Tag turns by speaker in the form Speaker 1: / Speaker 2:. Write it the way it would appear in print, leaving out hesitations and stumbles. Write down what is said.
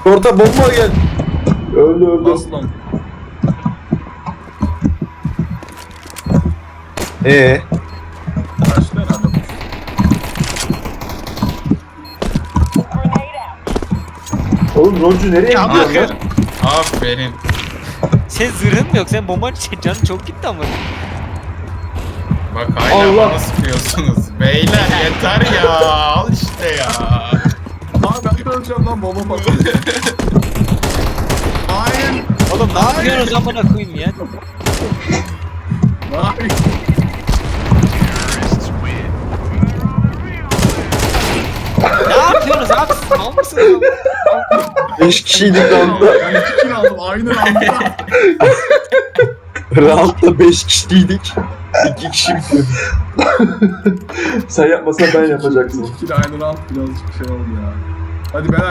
Speaker 1: Orta bomba gel.
Speaker 2: Öldü.
Speaker 3: Aslan. Kaçtı herhalde bu.
Speaker 2: Oğlum Roncu nereye
Speaker 4: Ya
Speaker 2: gidiyorsun lan?
Speaker 3: Aferin. Aferin.
Speaker 4: Sen zırhın mı yok? Sen bombanın canın çok gitti ama.
Speaker 3: Bak hala
Speaker 2: Allah.
Speaker 3: bana sıkıyorsunuz. Beyler yeter ya. Al işte ya. Abi ben de öleceğim lan bomba patlıyor. Hayır.
Speaker 4: Oğlum ne yapıyorsunuz amına koyayım ya?
Speaker 3: Hayır.
Speaker 4: Ne yapıyorsunuz abi? Siz mal mısınız?
Speaker 1: 5 kişiydik roundda.
Speaker 3: Ben 2 kill aldım aynı anda.
Speaker 1: Roundda 5 kişiydik. 2 kişi bitirdi.
Speaker 2: Sen yapmasan ben yapacaksın.
Speaker 3: 2 kill aynı round birazcık şey oldu ya. Hadi beyler.